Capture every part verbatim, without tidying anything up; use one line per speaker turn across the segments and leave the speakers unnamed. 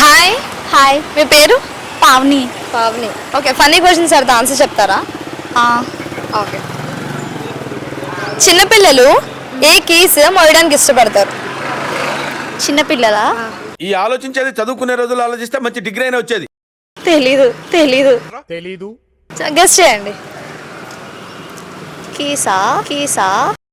Hi
hi,
మీ పేరు?
Pavani.
Pavani. Okay, funny questions అడితే ఆన్సర్ చెప్తారా? ఓకే. చిన్నపిల్లలు ఏ కీస్ మోయడానికి ఇష్టపడతారు?
చిన్నపిల్లలా?
ఈ ఆలోచించేది చదువుకునే రోజులు ఆలోచిస్తే మంచి డిగ్రీ అయినా వచ్చేది.
తెలీదు తెలీదు
తెలీదు.
గెస్ చేయండి.
కీసా కీసా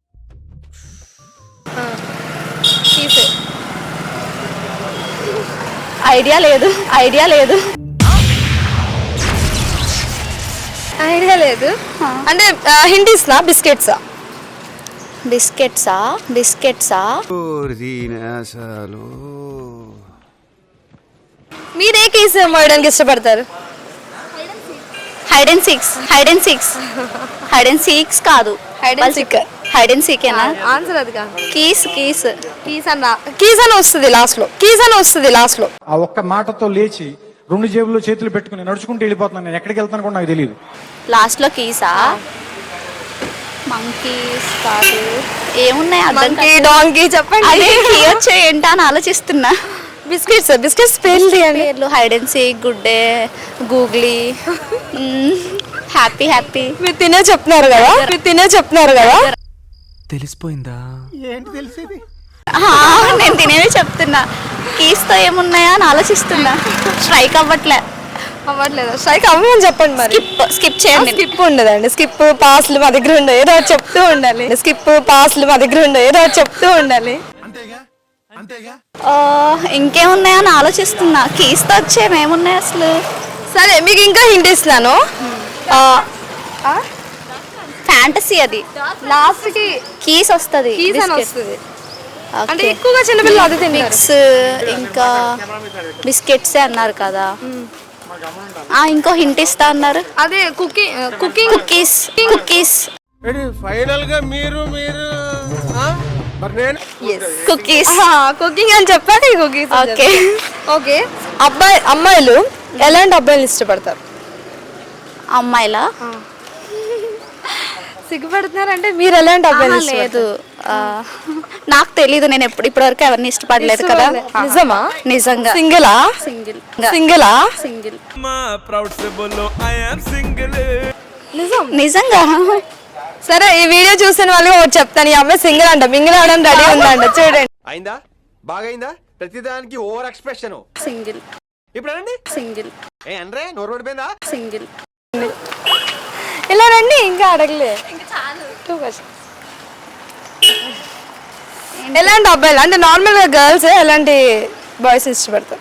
కీస్.
ఐడియా లేదు ఐడియా లేదు
ఐడియా లేదు. అంటే హింట్ ఇస్తున్నా, బిస్కెట్సా?
బిస్కెట్సా బిస్కెట్సా
మీరు ఏ కీస్ మోయడానికి ఇష్టపడతారు?
Hide and six hide and six hide and six కాదు,
hide and seek.
Hide and సీకేనా?
ఆన్సర్ అది కాదు.
కీస్ కీస్
కీస్ అన్న కీస్ అని వస్తుంది లాస్ట్ లో. కీస్ అని వస్తుంది లాస్ట్ లో.
ఆ ఒక్క మాటతో లేచి రెండు జేబుల్లో చేతులు పెట్టుకుని నడుచుకుంటూ వెళ్ళిపోతున్నాను. నేను ఎక్కడికి వెళ్తాను కూడా నాకు తెలియదు.
లాస్ట్ లో కీసా? మంకీస్ కాదు, ఏమున్నాయి అర్థం
మంకీ,
కాదు.
డాంకీ చెప్పండి.
అదే కీ వచ్చే ఏంటా అని ఆలోచిస్తున్నా.
బిస్కెట్స్ బిస్కెట్స్ పేర్లు తీయండి.
పేర్లు hide and seek, Good Day, googly, happy happy.
మీరు తినే చెప్తున్నారు కదా మీరు తినే చెప్తున్నారు కదా
తెలిసిపోయిందా?
నేను తినేవి చెప్తున్నా. కీస్ తో ఏమున్నాయా అని ఆలోచిస్తున్నా. స్ట్రైక్ అవ్వట్లే.
అవ్వట్లేదు. స్ట్రైక్ అవ్వమని చెప్పండి మరి.
స్కిప్ స్కిప్ చేయండి.
స్కిప్ ఉండదండి. స్కిప్ పాస్లు మా దగ్గర ఉండవు, ఏదో ఒకటి చెప్తూ ఉండాలి. స్కిప్ పాస్లు మా దగ్గర ఉండవు, ఏదో ఒకటి చెప్తూ ఉండాలి.
ఆ, ఇంకేమున్నాయా అని ఆలోచిస్తున్నా. కీస్ తో వచ్చేమేమున్నాయి అసలు?
సరే, మీకు ఇంకా హింట్ ఇస్తున్నాను.
ఫ్యాంటసీ అది.
లాస్ట్ కి
కీస్ వస్తుంది.
కీస్ అని వస్తుంది. అంటే ఎక్కువగా చిన్నపిల్లలు అది తింటారు.
మిక్స్ ఇంకా బిస్కెట్స్ అన్నారు కదా. ఆ ఇంకో హింట్ ఇస్తా అన్నారు.
అదే cooking cooking
cookies cookies
final గా మీరు మీరు మరి నేను
కుకీస్
కుకింగ్ అని చెప్పాక కుకీస్.
Okay
okay. అబ్బాయి అమ్మాయిలు ఎలాంటి అబ్బాయిలు ఇష్టపడతారు?
అమ్మాయిలా?
సిగ్గుపడుతున్నారంటే మీరు ఎలాంటి అబ్బాయిలు
లేదు, ఆ, నాకు తెలీదు. నేను ఎప్పుడు ఇప్పటి వరకు ఎవరిని ఇష్టపడలేదు కదా.
నిజమా?
నిజంగా.
సింగిలా?
సింగిల్
సింగిలా?
సింగిల్
ప్రౌడ్ సి బోలో ఐ యామ్ సింగిల్.
నిజం.
నిజంగా.
సరే, ఈ వీడియో చూసిన వాళ్ళకి ఒకటి చెప్తాను. ఈ అమ్మాయి సింగిల్ అంట, మింగిల్ అవడానికి రెడీ ఉందంట. చూడండి.
అయిందా? బాగైందా? ప్రతిదానికి ఓవర్ ఎక్స్ప్రెషన్.
సింగిల్
ఇప్పుడు అనండి.
సింగిల్
ఏ అనరే నోరు పడిపోయిందా?
సింగిల్.
ఇలా రండి, ఇంకా అడగలే. Two questions. ఎలాంటి అబ్బాయిలు అంటే నార్మల్ గా గర్ల్స్ ఎలాంటి బాయ్స్ ఇష్టపడతారు?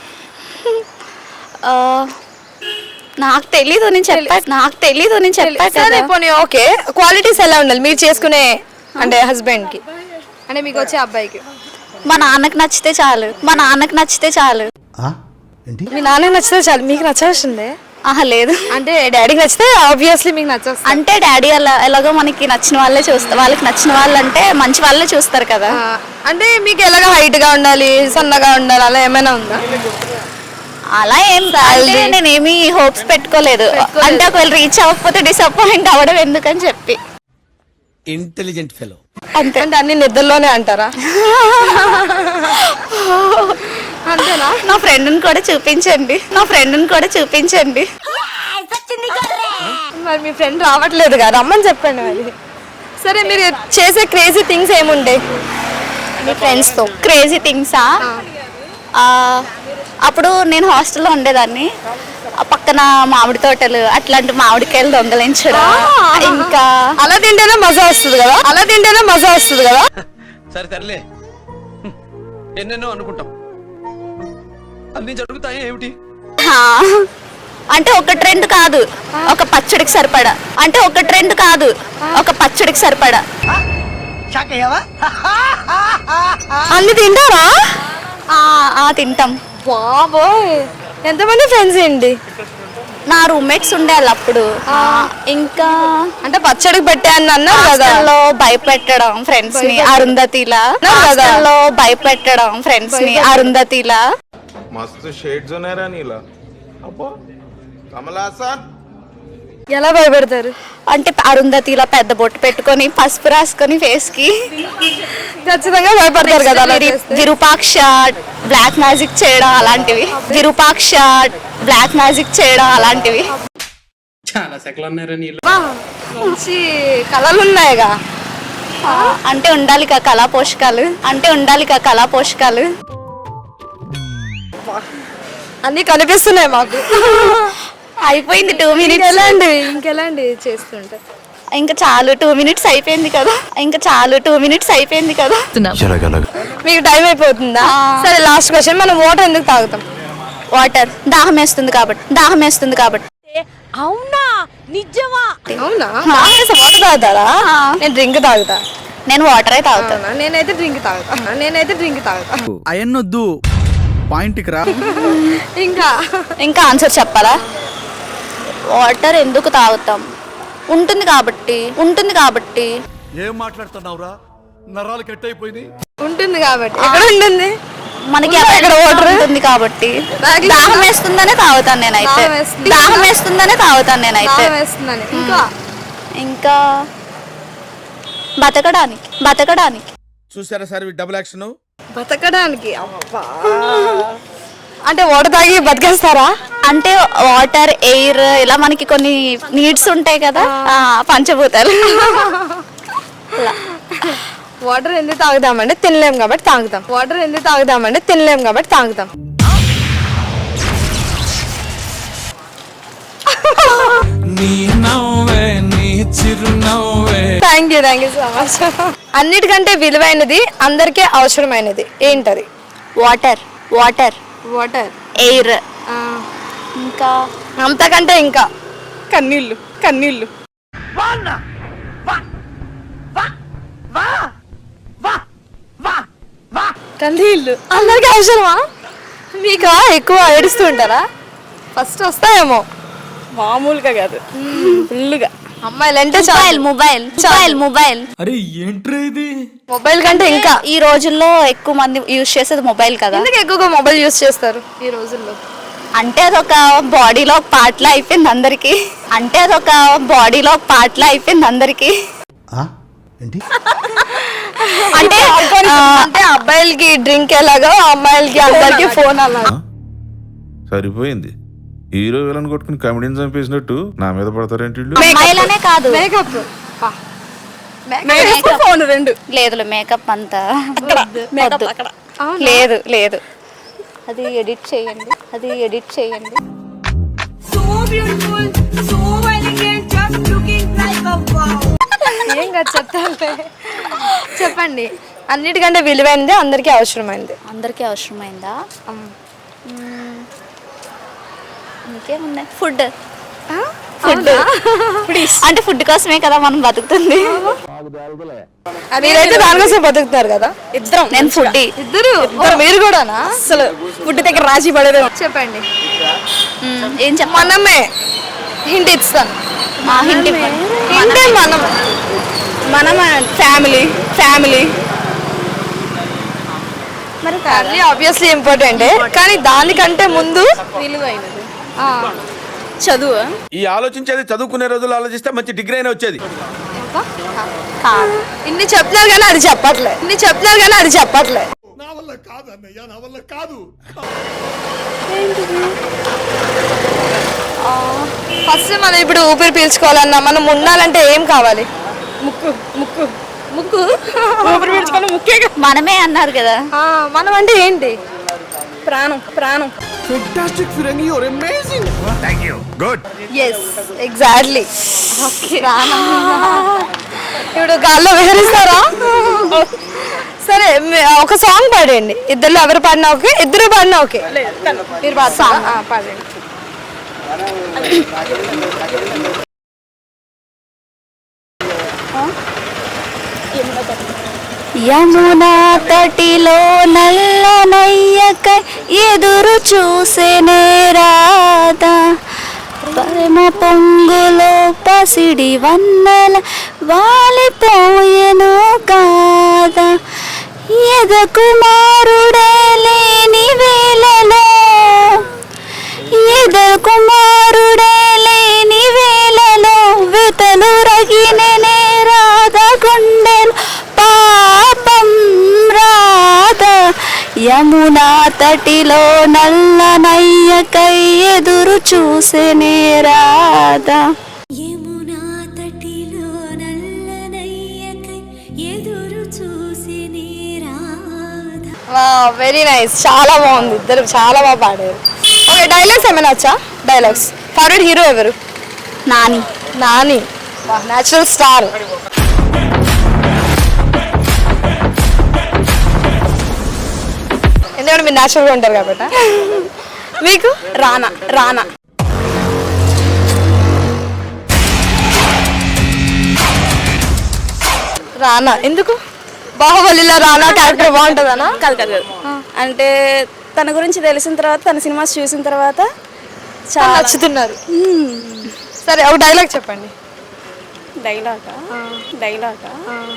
ఆ, నాకు తెలీదు. నేను చెప్పా నాకు తెలీదు నేను చెప్పా
సరే,
కదా.
పోనీ ఓకే. క్వాలిటీస్ ఎలా ఉండాలి మీరు చేసుకునే అంటే హస్బెండ్ కి, అంటే మీకు వచ్చే అబ్బాయికి?
మా నాన్నకి నచ్చితే చాలు మా నాన్నకి నచ్చితే చాలు
మీ నాన్నకి నచ్చితే చాలు. మీకు నచ్చాల్సిందే?
ఆహా లేదు.
అంటే డాడీకి నచ్చితే ఆబ్వియస్లీ మీకు నచ్చేస్తుంది.
అంటే డాడీ అలా ఎలాగో మనకి నచ్చిన వాళ్ళే చూస్తారు. వాళ్ళకి నచ్చిన వాళ్ళు అంటే మంచి వాళ్ళే చూస్తారు కదా.
అంటే మీకు ఎలాగ హైట్ గా ఉండాలి, సన్నగా ఉండాలి, అలా ఏమైనా ఉందా?
అలా ఏం అంటే నేనేమి హోప్స్ పెట్టుకోలేదు. అంటే ఒకవేళ రీచ్ అవ్వకపోతే డిసప్పాయింట్ అవ్వడం ఎందుకని చెప్పి.
Intelligent fellow.
అంతే. అంటే అన్ని నిద్రలోనే అంటారా? అంతేనా?
నా ఫ్రెండ్ని కూడా చూపించండి నా ఫ్రెండ్ని కూడా చూపించండి
మరి మీ ఫ్రెండ్ రావట్లేదు కదా, రమ్మని చెప్పండి మరి. సరే, మీరు చేసే క్రేజీ థింగ్స్ ఏముంటాయి మీ ఫ్రెండ్స్తో?
క్రేజీ థింగ్సా? అప్పుడు నేను హాస్టల్లో ఉండేదాన్ని. ఆ పక్కన మామిడి తోటలు, అట్లాంటి మామిడికాయలు దొంగలించడం. ఇంకా
అలా తింటేనే మజా వస్తుంది కదా అలా తింటేనే మజా వస్తుంది కదా
సరే తరలే, ఎన్నెన్నో అనుకుంటాం, అన్ని జరుగుతాయి ఏమిటి?
హా, అంటే ఒక ట్రెండ్ కాదు, ఒక పచ్చడికి సరిపడా. అంటే ఒక ట్రెండ్ కాదు, ఒక పచ్చడికి సరిపడా.
అన్ని తింటారా?
ఆ, ఆ, తింటాం.
బాబోయ్, ఎంతమంది ఫ్రెండ్స్ ఏంటి?
నా రూమ్మేట్స్ ఉండేవాళ్ళు అప్పుడు. ఇంకా
అంటే పచ్చడికి పెట్టాను అన్నారు కదా.
హాస్టల్లో భయపెట్టడం ఫ్రెండ్స్ ని అరుంధతిలా. హాస్టల్లో భయపెట్టడం ఫ్రెండ్స్ ని అరుంధతిలా.
मस्त शेड्स होणार नीला अप्पा कमला असा
ఎలా భయపెడతారు?
అంటే అరుంధతి ఇలా పెద్ద బొట్టు పెట్టుకొని పసుపు రాసుకొని ఫేస్ కి
ఖచ్చితంగా భయపడతారు కదా అలా
విరి-
చేస్తే.
విరూపాక్ష బ్లాక్ మ్యాజిక్ చేయడం అలాంటివి విరూపాక్ష బ్లాక్ మ్యాజిక్ చేయడం అలాంటివి
వా, మంచి కళలు ఉన్నాయిగా.
ఆ, అంటే ఉండాలి కదా కళా పోషకాలు అంటే ఉండాలి కదా కళా పోషకాలు
అన్ని కనిపిస్తున్నాయి మాకు.
అయిపోయింది టూ మినిట్స్
ఇంకెలాంటివి ఇంకెలాంటివి చేస్తుంటారు?
ఇంకా చాలు టూ మినిట్స్ అయిపోయింది కదా ఇంకా చాలు టూ మినిట్స్ అయిపోయింది కదా
మీకు టైం అయిపోతుందా? సరే లాస్ట్ క్వశ్చన్, మనం వాటర్ ఎందుకు తాగుతాం?
వాటర్ దాహం వేస్తుంది కాబట్టి దాహం వేస్తుంది కాబట్టి
అవునా? వాటర్ తాగుతారా? నేను డ్రింక్ తాగుతా.
నేను వాటరే తాగుతాను
అవునా? నేనైతే డ్రింక్ తాగుతా. నేనైతే డ్రింక్ తాగుతా.
అయన్నొద్దు పాయింట్కి రా.
ఇంకా
ఇంకా ఆన్సర్ చెప్పాలా? వాటర్ ఎందుకు తాగుతాం? ఉంటుంది కాబట్టి ఉంటుంది కాబట్టి
ఏం మాట్లాడుతున్నావురా? నరాలు కట్ అయిపోయింది.
ఉంటుంది కాబట్టి. ఎక్కడ ఉంటుంది?
మనకి
ఉందా ఇక్కడ వాటర్?
ఉంటుంది కాబట్టి
బ్యాగ్లో
దాహం వేస్తుందనే తాగుతాను నేనైతే
దాహం వేస్తుంది.
దాహం వేస్తుందనే తాగుతాను నేనైతే
దాహం వేస్తుందని. ఇంకా
ఇంకా బతకడానికి బతకడానికి
చూసారా సార్ డబుల్ యాక్షన్.
బతకడానికి. అబ్బా, అంటే వాటర్ తాగి బతికేస్తారా?
అంటే వాటర్ ఎయిర్ ఇలా మనకి కొన్ని నీడ్స్ ఉంటాయి కదా ఆ, పంచభూతాలు అలా.
వాటర్ ఎందుకు తాగుదామంటే తినలేం కాబట్టి తాగుతాం. వాటర్ ఎందుకు తాగుదామంటే తినలేం కాబట్టి తాగుతాం. Thank you thank you so much. అన్నిటికంటే విలువైనది అందరికీ అవసరమైనది ఏంటది?
Water water
water.
ఎయిర్ ఇంకా
అంతకంటే ఇంకా కన్నీళ్ళు కన్నీళ్ళు. కన్నీళ్ళు అందరికీ అవసరమా? మీకు ఎక్కువ ఏడుస్తూ ఉంటారా? ఫస్ట్ వస్తాయేమో, మామూలుగా కాదు, ఫుల్గా. అమ్మాయిలు అంటే
మొబైల్ మొబైల్ మొబైల్ మొబైల్
అరే ఏంట్రా ఇది?
మొబైల్ కంటే ఇంకా
ఈ రోజుల్లో ఎక్కువ మంది యూజ్ చేసేది మొబైల్ కదా
ఎందుకు ఎక్కువగా మొబైల్ యూస్ చేస్తారు ఈ రోజుల్లో?
అంటే అదొక బాడీలో ఒక పార్ట్ లా అయిపోయింది అందరికి అంటే అదొక బాడీలో ఒక పార్ట్ లా అయిపోయింది అందరికి
ఏంటి?
అంటే ఆ,
అంటే అబ్బాయిలకి డ్రింక్ ఎలాగో అమ్మాయిలకి అందరికి ఫోన్ అలాగా.
సరిపోయింది. హీరో విలన్ కొట్టుకుని కమెడీని చంపేసినట్టు నా మీద పడతారేంటి వీళ్ళు?
అమ్మాయిలనే కాదు
మేకప్ మేకప్ ఫోన్ రెండు.
లేదు మేకప్ అంతా వద్దు. లేదు లేదు అది ఎడిట్ చేయండి అది ఎడిట్ చేయండి
So beautiful, so elegant, just looking like a wow.
ఏం కాదు చెప్తానులే. చెప్పండి. అన్నిటికంటే విలువైనది అందరికీ అవసరమైనది.
అందరికీ అవసరమైందా? ఇంకేముంది? ఫుడ్ ఫుడ్ అంటే ఫుడ్ కోసమే కదా మనం బతుకుతుంది.
మీరైతే దానికోసం బతుకుతారు కదా. ఇద్దరం.
నేను ఫుడ్
ఇద్దరు మీరు కూడానా? అసలు ఫుడ్ దగ్గర రాజీ పడేది. చెప్పండి.
ఏం చెప్పాలి?
మనమే హింట్ ఇస్తాను.
మా హింటి
హింటే మనం
మనం ఫ్యామిలీ ఫ్యామిలీ
మరి ఫ్యామిలీ ఆబ్వియస్లీ ఇంపార్టెంటే, కానీ దానికంటే ముందు విలువైనది
చదువు
ఈ ఆలోచించేది చదువుకునే రోజులు ఆలోచిస్తే మంచి డిగ్రీ అయినా వచ్చేది.
కాదు.
ఇన్ని చెప్తున్నారు కానీ అది చెప్పట్లే ఇన్ని చెప్తున్నారు కానీ అది చెప్పట్లే
నా వల్ల కాదు అన్నయ్య, నా వల్ల కాదు.
ఫస్ట్ మనం ఇప్పుడు ఊపిరి పీల్చుకోవాలన్నా మనం ఉండాలంటే ఏం కావాలి? ముక్కు ముక్కు ముక్కు ఊపిరి పీల్చుకోవాలి ముక్కే కదా.
మనమే అన్నారు కదా.
ఆ, మనం అంటే ఏంటి? ప్రాణం ప్రాణం.
Fantastic, Firangi, you're amazing.
Thank you. Good.
Yes exactly. ఇప్పుడు గాల్లో విహరిస్తారా? సరే మీ- ఒక సాంగ్ పాడండి. ఇద్దరు ఎవరు పాడినా ఓకే, ఇద్దరు పాడినా ఓకే. మీరు పాడతారా? ఆ, పాడండి.
యమునా తటిలో నల్లనయ్యకై ఎదురు చూసేనే రాధా పరమ పొంగులో పసిడి వన్నెల వాలిపోయెను కాదా ఎద కుమారుడే లేని వేళలో ఎద కుమారుడే లేని వేళలో తటిలో నల్ల నయ్యకై ఎదురు చూసేనే రాధా.
యమునా తటిలో నల్లనయ్యకై ఎదురు చూసినే రాధా.
వెరీ నైస్, చాలా బాగుంది, ఇద్దరు చాలా బాగా పాడారు. ఓకే, డైలాగ్స్ ఏమైనా వచ్చా? డైలాగ్స్. ఫేవరెట్ హీరో ఎవరు?
నాని.
Nani, natural star. ఎందుకంటే మీరు న్యాచురల్గా ఉంటారు కాబట్టి. మీకు?
రానా. రానా.
రానా ఎందుకు? బాహుబలిలో రానా క్యారెక్టర్ బాగుంటుందనా?
కాదు కాదు కాదు అంటే తన గురించి తెలిసిన తర్వాత, తన సినిమాస్ చూసిన తర్వాత
చాలా నచ్చుతున్నారు. సరే, ఒక డైలాగ్ చెప్పండి.
డైలాగా డైలాగా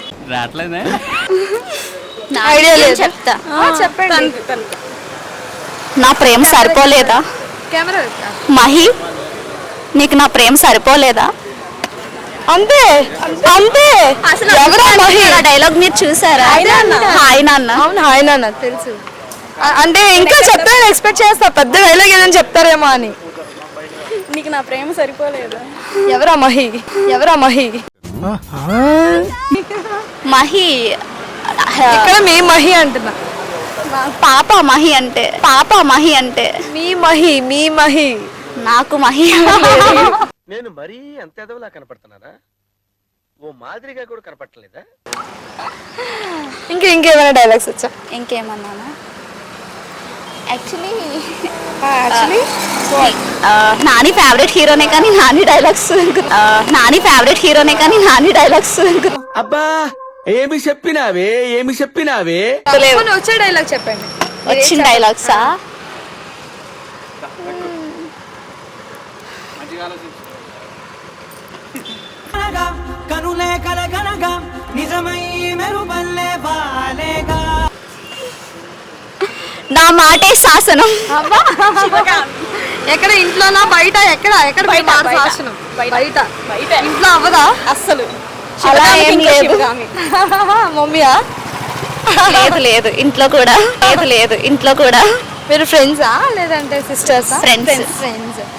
ఐడియా లేదు.
చెప్తా.
చెప్పండి.
నా ప్రేమ సరిపోలేదా
కెమెరా
మహి, నీకు నా ప్రేమ సరిపోలేదా?
అంతే అంతే.
అసలు
ఎవరా మహి?
డైలాగ్ మీరు చూసారా? హాయ్ నాన్న.
అవును, హాయ్ నాన్న తెలుసు. అ- అంటే ఇంకా చెప్తారని ఎక్స్పెక్ట్ చేస్తా, పెద్ద డైలాగ్ ఏదని చెప్తారేమో అని.
నీకు నా ప్రేమ సరిపోలేదా?
ఎవరా మహి? ఎవరా మహి?
మహి
ఇక్కడ మీ మహి అంటున్నా.
పాప మహి అంటే, పాప మహి అంటే
మీ మహి, మీ మహి.
నాకు మహి.
నేను మరీ అంత ఎదవలా కనపడుతున్నానా? ఓ మాదిరిగా కూడా కనపడలేదా?
ఇంకా ఇంకేమైనా డైలాగ్స్ వచ్చా?
ఇంకేమన్నానా? యాక్చువల్లీ
యాక్చువల్లీ
నాని ఫేవరెట్ హీరోనే కానీ నాని డైలాగ్స్ నాని ఫేవరెట్ హీరోనే కానీ నాని డైలాగ్స్
అబ్బా ఏమి చెప్పినావే ఏమి చెప్పినావే?
వచ్చే డైలాగ్ చెప్పండి.
వచ్చిన డైలాగ్సా?
కనులే కలగనగా నిజమై మెరుపల్లే బాలేగా.
నా మాటే శాసనం.
ఎక్కడ, ఇంట్లోనా బయట? ఎక్కడ ఎక్కడ
బయట,
మాట
బయట.
శాసనం? బయట. ఇంట్లో అవ్వదా?
అస్సలు
అలా
శివగామి,
ఏం
ఇంకా
లేదు.
శివగామి.
మమ్మీయా?
లేదు లేదు ఇంట్లో కూడా లేదు లేదు ఇంట్లో కూడా
మీరు ఫ్రెండ్సా లేదంటే సిస్టర్సా?
Friends.
ఫ్రెండ్స్.